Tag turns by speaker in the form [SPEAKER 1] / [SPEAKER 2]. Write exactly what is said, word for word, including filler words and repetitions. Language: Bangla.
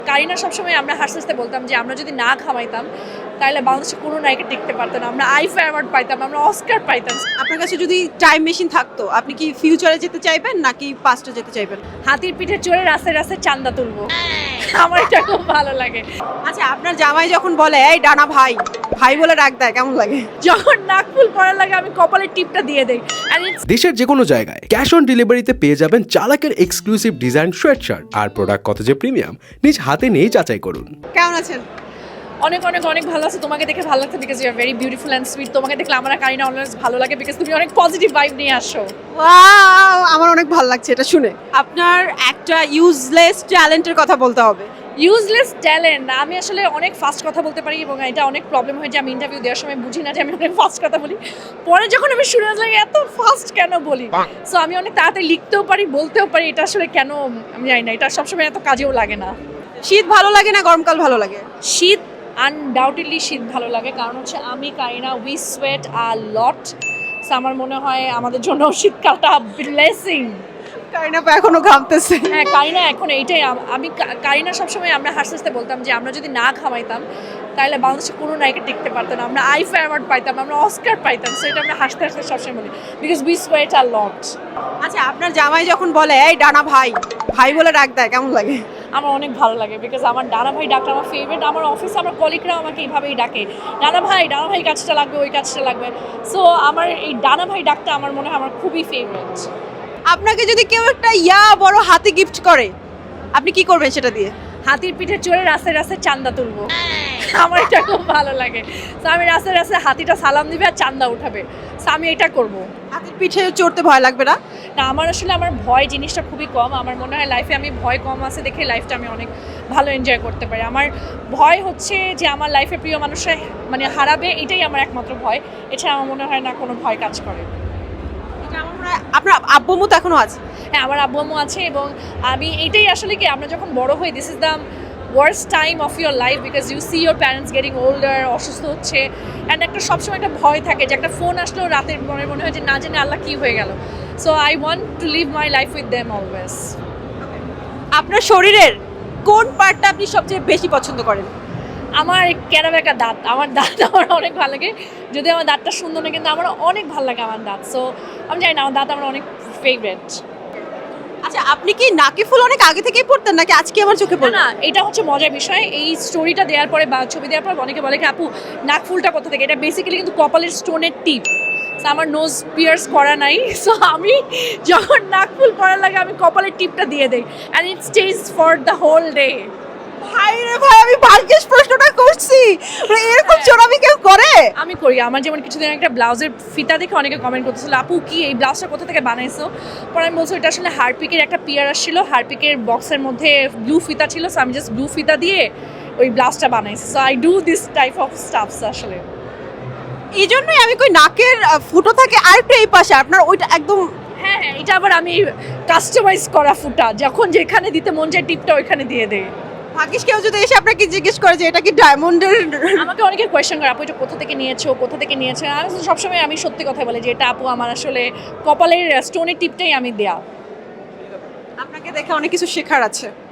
[SPEAKER 1] কারিনা সবসময় আমরা হাসতে হাসতে বলতাম যে আমরা যদি না খাওয়াইতাম তাহলে বাংলাদেশে কোনো নায়িকা টিকতে পারতো না। আমরা আইফা অ্যাওয়ার্ড পাইতাম, আমরা অস্কার পাইতাম।
[SPEAKER 2] আপনার কাছে যদি টাইম মেশিন থাকতো আপনি কি ফিউচারে যেতে চাইবেন নাকি পাস্টে যেতে চাইবেন?
[SPEAKER 1] হাতির পিঠে চড়ে রাস্তায় রাস্তায় চান্দা তুলবো, আমার এটা খুব ভালো লাগে।
[SPEAKER 2] আচ্ছা, আপনার জামাই যখন বলে এই ডানা ভাই ভাই বলে ডাক দেয় কেমন লাগে?
[SPEAKER 1] যখন নাকফুল পরার লাগে আমি কপালের টিপটা দিয়ে দেই।
[SPEAKER 3] দেশের যে কোনো জায়গায় ক্যাশ অন ডেলিভারিতে পেয়ে যাবেন চালাকের এক্সক্লুসিভ ডিজাইন সোয়েটশার্ট আর প্রোডাক্ট কত যে প্রিমিয়াম নিজ হাতে নিয়ে যাচাই করুন।
[SPEAKER 2] কেমন আছেন?
[SPEAKER 1] অনেক অনেক অনেক ভালো আছে। তোমাকে দেখে ভালো লাগছে because you are very beautiful and sweet. তোমাকে দেখলে আমার আর কারিনা অলওয়েজ ভালো লাগে বিকজ তুমি অনেক পজিটিভ ভাইব নিয়ে আসো।
[SPEAKER 2] ওয়াও, আমার অনেক ভালো লাগছে এটা শুনে। আপনার একটা ইউজলেস ট্যালেন্টের কথা বলতে হবে।
[SPEAKER 1] ইউজলেস ট্যালেন্ট, আমি আসলে অনেক ফাস্ট কথা বলতে পারি এবং এটা অনেক প্রবলেম হয় যে আমি ইন্টারভিউ দেওয়ার সময় বুঝি না যে আমি অনেক ফাস্ট কথা বলি। পরে যখন আমি শুনে লাগে এত ফাস্ট কেন বলি, সো আমি অনেক তাড়াতাড়ি লিখতেও পারি, বলতেও পারি। এটা আসলে কেন আমি জানি না, এটা সবসময় এত কাজেও লাগে না।
[SPEAKER 2] শীত ভালো লাগে না গরমকাল ভালো লাগে?
[SPEAKER 1] শীত আনডাউটেডলি শীত ভালো লাগে, কারণ হচ্ছে আমি কারিনা we sweat a lot. So আমার মনে হয় আমাদের জন্য শীতকালটা ব্লেসিং।
[SPEAKER 2] কারিনা তো এখনো ঘামতেছে।
[SPEAKER 1] হ্যাঁ, কারিনা এখন এইটাই। আমি কারিনা সবসময় আমরা হাসতে হাসতে বলতাম যে আমরা যদি না খাওয়াইতাম তাহলে বাংলাদেশে কোনো নায়িকা টিকতে পারতো না। আমরা আইফা অ্যাওয়ার্ড পাইতাম, আমরা অস্কার পাইতাম। সো এটা আমরা হাসতে হাসতে সবসময় বলি because we sweat a lot.
[SPEAKER 2] আচ্ছা, আপনার জামাই যখন বলে এই ডানা ভাই ভাই বলে ডাক দেয় কেমন লাগে?
[SPEAKER 1] আমার অনেক ভালো লাগে বিকজ আমার ডানা ভাই ডাকটা আমার ফেভারিট। আমার অফিসে আমার কলিগরাও আমাকে এইভাবেই ডাকে, ডানা ভাই ডানা ভাই কাজটা লাগবে, ওই কাজটা লাগবে। সো আমার এই ডানা ভাই ডাকটা আমার মনে হয় আমার খুবই ফেভারিট।
[SPEAKER 2] আপনাকে যদি কেউ একটা ইয়া বড় হাতি গিফট করে আপনি কি করবেন সেটা দিয়ে?
[SPEAKER 1] হাতির পিঠে চড়ে রাস্তায় রাস্তায় চান্দা তুলবো, আমার এটা খুব ভালো লাগে। তো আমি রাস্তায় রাস্তায় হাতিটা সালাম দিবে আর চান্দা উঠাবে, সো আমি এটা করব।
[SPEAKER 2] হাতির পিঠে চড়তে ভয় লাগবে না?
[SPEAKER 1] না, আমার আসলে আমার ভয় জিনিসটা খুবই কম। আমার মনে হয় লাইফে আমি ভয় কম আছে দেখে লাইফটা আমি অনেক ভালো এনজয় করতে পারি। আমার ভয় হচ্ছে যে আমার লাইফে প্রিয় মানুষরা মানে হারাবে, এটাই আমার একমাত্র ভয়। এছাড়া আমার মনে হয় না কোনো ভয় কাজ করে।
[SPEAKER 2] আপনার আব্বু আম্মু তো এখনো আছে?
[SPEAKER 1] হ্যাঁ, আমার আব্বু আম্মু আছে এবং আমি এইটাই আসলে কি আমরা যখন বড় হই this is the worst time of your life because you see your parents getting older, অসুস্থ হচ্ছে, অ্যান্ড একটা সবসময় একটা ভয় থাকে যে একটা ফোন আসলেও রাতের মনে মনে হয় যে না জানে আল্লাহ কী হয়ে গেল। So I want to live my life with them always.
[SPEAKER 2] আপনার শরীরের কোন পার্টটা আপনি সবচেয়ে বেশি পছন্দ করেন?
[SPEAKER 1] আমার ক্যারাবেকা দাঁত, আমার দাঁত আমার অনেক ভালো লাগে। যদি আমার দাঁতটা সুন্দর না, কিন্তু আমার অনেক ভালো লাগে আমার দাঁত। সো আমি জানি না, আমার দাঁত আমার অনেক ফেভারিট।
[SPEAKER 2] আচ্ছা, আপনি কি নাকি ফুল অনেক আগে থেকেই পড়তেন নাকি আজকে আমার চোখে পড়ল?
[SPEAKER 1] না, এটা হচ্ছে মজার বিষয়। এই স্টোরিটা দেওয়ার পরে বা ছবি দেওয়ার পর অনেকে বলে কি আপু নাক ফুলটা কোথা থেকে? এটা বেসিক্যালি কিন্তু কপালের স্টোনের টিপ। সো আমার নোজ পিয়ার্স করা নাই, সো আমি যখন নাক ফুল পরার লাগে আমি কপালের টিপটা দিয়ে দেই and it stays for the whole day.
[SPEAKER 2] ভাই রে ভাই, আমি ভাগ্যেশ প্রশ্নটা করছি, মানে এরকম চোরামি কেউ করে?
[SPEAKER 1] আমি করি। আমার যেমন কিছুদিন একটা ব্লাউজের ফিতা দেখে অনেকে কমেন্ট করতেছিল আপু কি এই ব্লাউজটা কোথা থেকে বানাইছো? পরে আমি বলছি এটা আসলে হারপিকের একটা পিয়ার আসছিল, হারপিকের বক্সের মধ্যে ব্লু ফিতা ছিল, সো আমি জাস্ট ব্লু ফিতা দিয়ে ওই ব্লাউজটা বানাইছি। So I do this type of stuffs আসলে।
[SPEAKER 2] এই জন্যই আমি কই নাকের আহ, ফুটো থাকে আরেকটু এই পাশে, আপনার ওইটা একদম।
[SPEAKER 1] হ্যাঁ হ্যাঁ, এটা আবার আমি কাস্টমাইজ করা ফুটা, যখন যেখানে দিতে মন চায় টিপটা ওইখানে দিয়ে দেয়।
[SPEAKER 2] ভাগ্যিস কেউ যদি এসে আপনাকে জিজ্ঞেস করে যে এটা কি ডায়মন্ডের।
[SPEAKER 1] আমাকে অনেকে কোয়েশ্চেন করে আপু এটা কোথা থেকে নিয়েছো, কোথা থেকে নিয়েছো? আমি সবসময় আমি সত্যি কথা বলি যে এটা আপু আমার আসলে কপালের স্টোনের টিপটাই আমি দেয়া।
[SPEAKER 2] আপনাকে দেখে অনেক কিছু শেখার আছে।